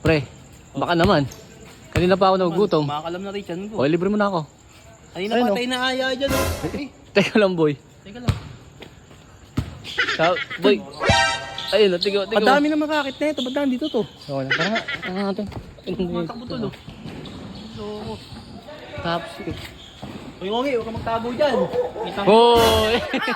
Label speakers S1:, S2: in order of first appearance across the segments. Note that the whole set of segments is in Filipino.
S1: Pre, baka naman. Kanina pa ako nagugutom.
S2: Makakalam na rin dyan ko.
S1: O, libre mo na ako.
S2: Kanina
S1: Ayun,
S2: patay na aya dyan.
S1: Teka lang, boy.
S2: Teka lang.
S1: Boy. Ayun, tigo.
S2: Ang dami na makakit na ito. Ba't daan dito to?
S1: So, tara nga. Tara nga natin.
S2: Matakbo to, no? So,
S1: Tapos.
S2: Uy, Ngongi, huwag ka magtago dyan.
S1: Hoy!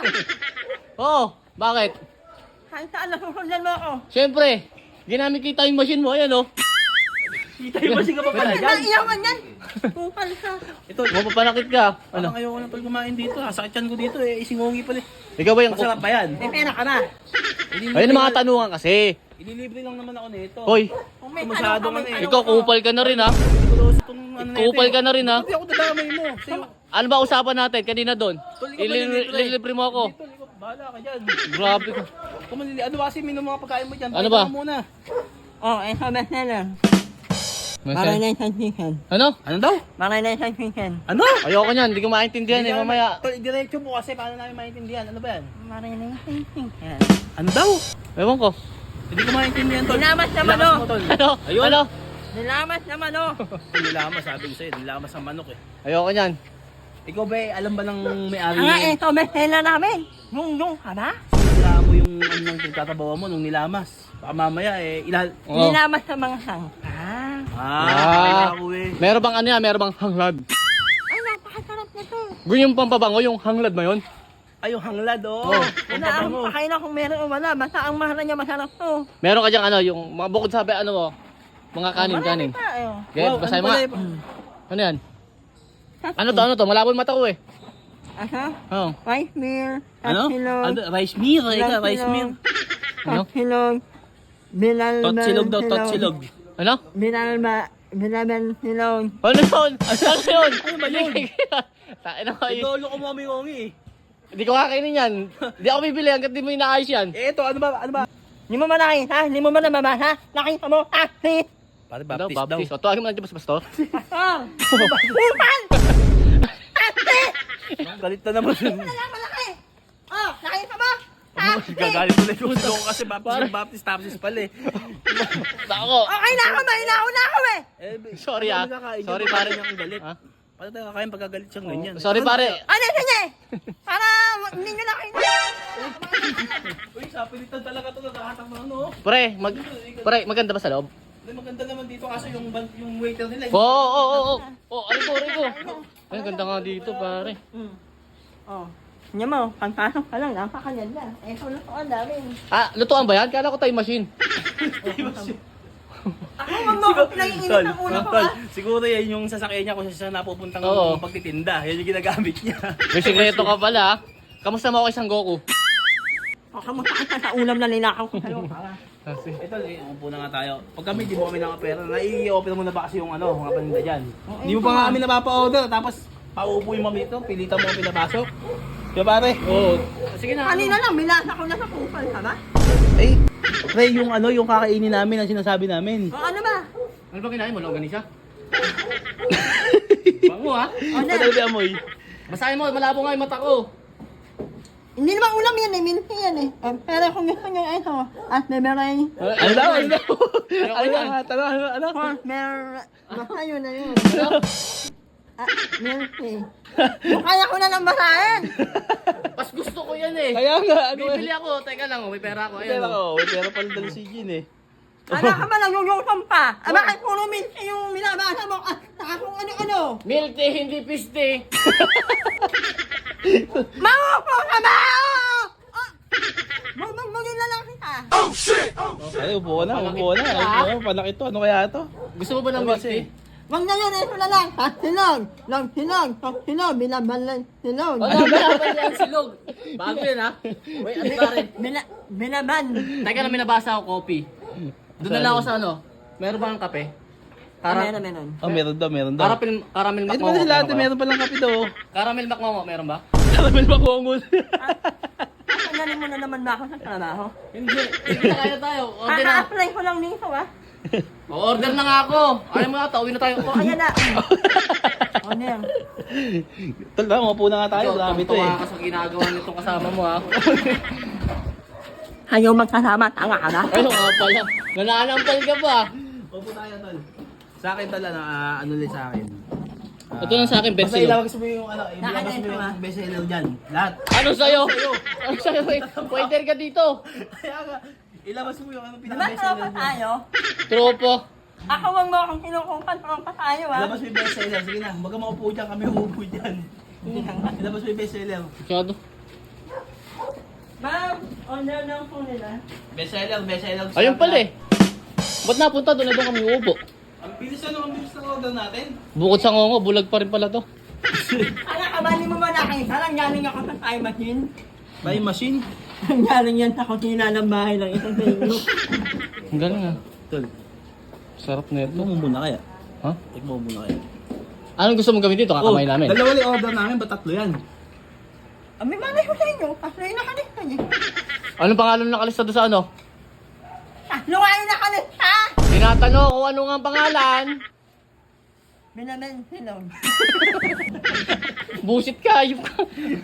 S1: Oh, bakit?
S3: Kahit saan nasusundan mo ako.
S1: Siyempre, ginamit kita yung machine mo. Ayan, oh.
S2: Kita yung masing ka pa pala
S3: Bakit
S2: dyan.
S3: na iyawan yan? Kupal ka.
S2: Ito,
S1: Mapapanakit ka.
S2: ano?
S1: Ano?
S2: Ayoko na tol kumain dito. Sakit yan ko dito eh. Si Ngongi pala.
S1: Ikaw ba yung...
S2: Masarap ba yan?
S3: May pera ka na.
S1: Ayun ang mga tanungan kasi.
S2: Ililibre lang naman ako nito.
S1: Hoy,
S3: Kung may
S2: Masyado
S3: tanong ka,
S2: ka
S3: may
S2: na eh.
S3: tanong
S1: ikaw
S3: ka.
S1: kupal ka na rin, ha?
S2: Siguroso itong ano na ito.
S1: Kupal ka na rin, ha?
S2: Hindi ako dadamay mo. Sa'yo.
S1: Ano ba usapan natin kanina doon?
S2: Tol, ikaw malilibre.
S1: Ililibre mo ako.
S2: Dito, ikaw, bahala ka dyan.
S1: Grabe ka.
S2: Kung ano ba kasi minum mga pagkain mo dyan.
S1: Ano
S2: Pakita
S1: ba?
S2: mo muna.
S3: Oh, ito best seller. Marinay sa chicken.
S1: Ano?
S2: Ano daw?
S3: Marinay sa chicken.
S2: Ano?
S1: Ayoko niyan, hindi ko maintindihan eh, mamaya.
S2: Tol, diretso mo kasi paano namin maintindihan. Ano ba yan?
S3: Marinay sa chicken.
S2: Ano daw?
S1: Ewan ko.
S2: Hindi ko maintindihan, tol.
S3: Nilamas naman,
S2: Nilamas
S3: oh.
S2: mo, tol.
S1: Ano?
S2: Ayun.
S1: Ano?
S3: Nilamas naman, oh.
S2: Nilamas, sabi ko sa'yo. Nilamas ang manok eh.
S1: Ayoko niyan.
S2: Ikaw ba alam ba ng may-ari
S3: Nga,
S2: niya?
S3: ito best seller namin. Yung ka ba?
S2: Sila mo yung ano nang pinagtatabawa mo nung nilamas. Baka mamaya eh,
S1: Oo.
S3: Nilamas sa mga sangka.
S1: Ah.
S2: ako eh.
S1: Meron bang ano yan? Meron bang hanglad?
S3: Ay, napakasarap nito.
S1: Ganyan yung pampabango, yung hanglad ba yun?
S2: Ay, yung hanglad oh.
S1: Oh.
S3: Wala akong pakain kung meron o wala. Basta ang mahal niya masarap to.
S1: Meron ka diyang ano, yung mga bukod sabi ano mo, mga kanin.
S3: Marami pa, eh, oh.
S1: Okay, basahin mo nga. Ano yan? Ano to? Malabo yung mata ko eh.
S3: Aha.
S1: Oo.
S3: Rice meal.
S2: Ano?
S3: Tatsilog.
S2: Ano? Rice meal? Ika, rice meal.
S1: Ano?
S3: Tatsilog. Binalban
S2: Totsilog daw, totsilog.
S1: Ano?
S3: Binalban silog.
S1: Ano yun? Ano yun?
S2: Ano ba yun?
S1: Tain ako eh.
S2: Idolo ko mo Ngongi eh.
S1: Hindi ko kakainin yan. Hindi ako bibili hanggat di mo inaayos yan.
S2: Eh, ito, ano ba? Ano ba?
S3: Hindi mo ba nakita? Hindi mo ba nababasa? Nakita mo? Ate!
S2: Pare,
S1: Ano?
S2: baptist daw.
S1: Baptist. O, tuwagin mo lang dyan, pastor.
S3: Pastor! Upal! Ate!
S2: Galit na naman.
S3: Wala malaki! Oh, nakita mo? Ate!
S2: Gagalit ulit yung gusto ko kasi baptist pala eh.
S1: Ako.
S3: Okay na ako, mahilaw na ako eh!
S1: Sorry, ah. Sorry, pare.
S2: niya ang galit.
S1: Ha?
S2: Paano tayo kakain pagkagalit siyang ganyan?
S1: Sorry pare.
S3: Ano, sige! Para hindi nyo nakita.
S2: Uy, sapilitan talaga ito. Nakahatang mga ano.
S1: Pre, maganda ba sa loob?
S2: Hindi, maganda naman dito kasi yung waiter nila.
S1: Oo. Ariko. Ay, ganda nga dito, pare.
S3: Oh. Hindi mo, pagpasok ka lang, napakaganda. Eh, sulat ko ang dami.
S1: Ah, lutuan ba yan? Kala ko time machine.
S3: Ako, wag mo ako pinag-iinit ang ulo ko, ah.
S2: Siguro yan yung sasakyan niya kung saan napupuntang
S1: Oo.
S2: pagtitinda. Yan yung ginagamit niya.
S1: May sikreto ka pala, ha? Kamusta mo ako isang Goku?
S3: O, kamusta ka sa ulam na ninakaw ko sa'yo?
S2: Ito, upo na nga tayo. Pag kami, di mo kami nakapera. Nai-open mo na ba kasi yung ano, mga paninda dyan. Hindi mo pa nga kami napapa-order. Tapos, paupo yung mami ito. Pilitan mo kami pinapasok. Diba pare?
S1: Oo. Sige na.
S3: Kanina lang, milasa ko na sa kupal, ha ba?
S2: Eh, pre, yung ano, yung kakainin namin ang sinasabi namin.
S3: O, ano ba?
S1: Ano ba kinain mo? Longganisa? Bango, ha?
S3: O, na.
S2: Patabi amoy.
S1: Basahin mo, malabo nga yung mata ko.
S3: Hindi naman ulam yan eh, minti yan eh. Pero kung gusto nyo ito, at memory,
S2: Ano daw? Ano daw?
S1: Ano yan?
S2: Ano?
S3: basta yun na yun. Minti. Yung kaya ko na lang basahin.
S1: Pas gusto ko yan eh.
S2: Kaya nga, ano
S1: Bibili ako. Teka lang, may pera ako. Ayan,
S2: Pera
S1: oh.
S2: ko, pera pala dala si Jean eh.
S3: Ano ka ba nagugutong pa? Bakit puro minti yung minabasa mo? Saka kung ano-ano.
S1: Milk tea, hindi peach tea.
S3: Maupo ka ba? Magmagmagin na lang kita.
S2: Ay, upo na. Ano, panak ito. Ano kaya ito?
S1: Gusto mo ba ng milk tea?
S3: Wag na yun, ito na lang. Silog, silog, binabalan silog.
S1: Ano ba yan silog? Bago yan ha? Wait, ano pare?
S3: Binaban.
S1: Teka na may nabasa ako, coffee. Doon na lang ako sa ano. Meron ba ang kape?
S3: Meron.
S2: Oh, meron daw.
S1: Caramel
S2: Ito
S1: macmongo.
S2: pala sila ate,
S1: meron ba?
S2: meron palang kape daw.
S1: Caramel macmongo, meron ba?
S2: Caramel makongo.
S3: Galing mo na naman ba ako sa trabaho?
S1: Hindi. Hindi na kaya tayo. Order na.
S3: Kaka-apply ko lang dito ah.
S1: Order na nga ako. Ayaw mo na, tawin na tayo.
S3: O, ayan na. O, Nel.
S2: Tala, upo na nga tayo. Grabe ito eh.
S1: Tuwa ka sa ginagawa nitong kasama mo ha.
S3: Ayaw magkasama, tanga ka ba?
S1: Ayaw nga pala. Nananampal ka ba?
S2: O Upo tayo, tol. Sa akin, tol, ano ulit sa akin.
S1: Ito lang sa akin, best
S2: Basta
S1: seller.
S2: ilabas mo yung ilabas mo yung best seller dyan. Lahat.
S1: Ano sa'yo? Ano sa'yo? Pointer ka dito.
S2: Kaya nga, ilabas mo yung
S3: Diba
S2: pinaka-best
S3: tropa
S2: seller dyan.
S3: tayo?
S1: Tropo.
S3: Ako wag mo akong kinukupan, tropa tayo ah.
S2: Ilabas mo yung best seller. Sige na, huwag ka maupo dyan, kami umupo dyan. Ilabas mo yung best seller.
S1: Masyado.
S3: Ma'am, order lang po nila.
S2: Best seller, best seller.
S1: Ayun pala eh. Ba't napunta doon na doon kami uupo?
S2: Ang bilis ang bilis ng order natin.
S1: Bukod sa ngongo, bulag pa rin pala to.
S3: Ano ka ba, hindi mo ba nakita? Nanggaling ako sa time machine.
S2: Buy machine.
S3: Nanggaling yan sa kusina ng bahay ng isang sa inyo.
S1: Ang galing ah.
S2: Tol,
S1: Sarap na ito.
S2: tikmo mo muna kaya.
S1: Ha?
S2: Tikmo mo muna kaya.
S1: Anong gusto mong gawin dito? Kakamay namin.
S2: Dalawa yung order namin, ba't tatlo yan?
S3: May malay ko sa inyo, tatlo yung nakalista niya.
S1: Anong pangalan ng nakalista doon sa ano?
S3: Tatlo nga yung nakalista!
S1: Tinatanong kung ano nga ang pangalan.
S3: Binamen silog.
S1: Busit ka, ayun ka.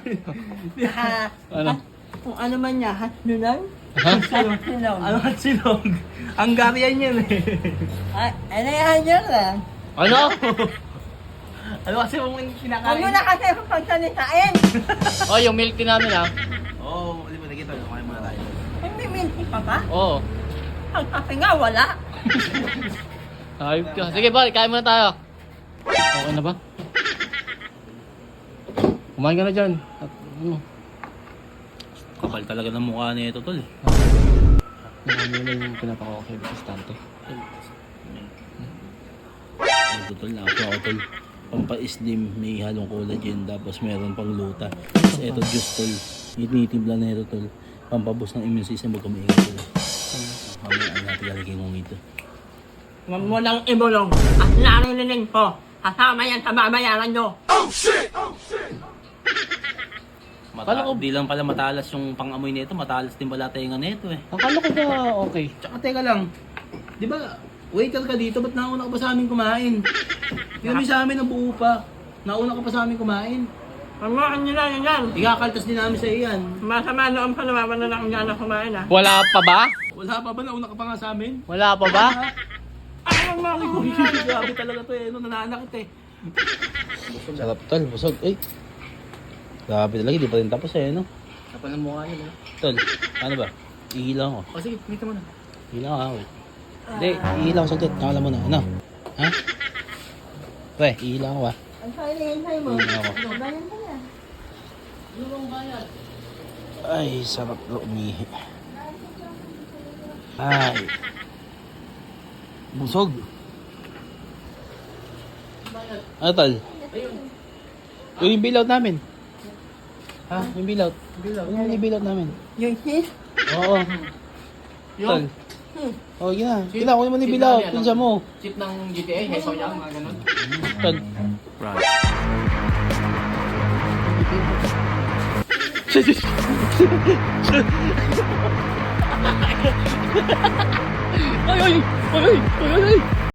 S1: Ano?
S3: Kung ano man niya, hatlunan?
S1: Ha?
S3: Silog.
S2: Ano at silog? Hungarian yan eh.
S3: Ay, ano yan yun lang?
S1: Ano?
S2: Ano kasi mong
S3: Huwag
S2: kinakain?
S3: mo na kasi akong pagsalitain.
S1: Oh, yung milk tea namin ah.
S2: Oo, hindi mo nakita. Kumain muna tayo.
S3: Hindi minti pa ba?
S1: Oo.
S3: Ang kape nga, wala.
S1: Ayun ka. Sige, balik. Kain muna tayo. Okay na ba? Kumain ka na dyan. At, ano?
S2: Kapal talaga ng mukha na ito, tol.
S1: Nakami na yung pinapakakay sa stante.
S2: Ito, tol. Ako, tol. Pampa-slim, may halong collagen, tapos meron pang luta. Tapos ito, juice, tol. Itinitimpla na ito, tol. Pampabos ng immune system, huwag kumaingat, tol. Mamaya, ang natin lalagay mong ito.
S3: Huwag mo lang ibulong at narinig ko. Kasama yan sa babayaran nyo.
S1: Kala ko-
S2: Di lang pala matalas yung pang-amoy nito, matalas din pala tenga nito eh.
S1: Akala ko ba okay?
S2: Tsaka teka lang, di ba, waiter ka dito, ba't nauna ka pa sa amin kumain? Hindi kami sa amin nabuo pa. Nauna ka pa sa amin kumain.
S3: Pagmakan nyo lang yan.
S2: Ikakaltas din namin sa iyan.
S3: Masama noon pa naman na lang dyan na kumain ah.
S1: Wala pa ba?
S2: Wala pa ba? Nauna ka pa nga sa amin?
S1: Wala pa ba?
S3: Ay, huwag mo akong
S2: Grabe talaga to eh. Nananakit eh.
S4: Sarap tol, busog. Ay. Grabe talaga, di pa rin tapos eh, no?
S1: Kapal ng mukha niya.
S4: Tol, ano ba? Ihilang ako.
S1: O sige, dito muna.
S4: Ihilang ako. Hindi, ihilang ako saglit. Nakala mo na. Ano? Ha? Pre, ihilang ako ah.
S3: Ang sayo mo.
S4: Ihilang ako.
S3: Bayan ka na.
S4: Ay, sarap na umihi. Ay. Busog. Ano tol? Yung billout namin. Ha? Yung billout. Yung billout namin.
S3: Yung sis?
S4: Oo. Tol. Oh, yun na. Kailangan ko naman yung billout. Pinsa mo.
S1: Chip ng GTA, Heso Yang, mga ganun.
S4: Tol.
S1: Ay, ay! Ay, ay! Ay, ay!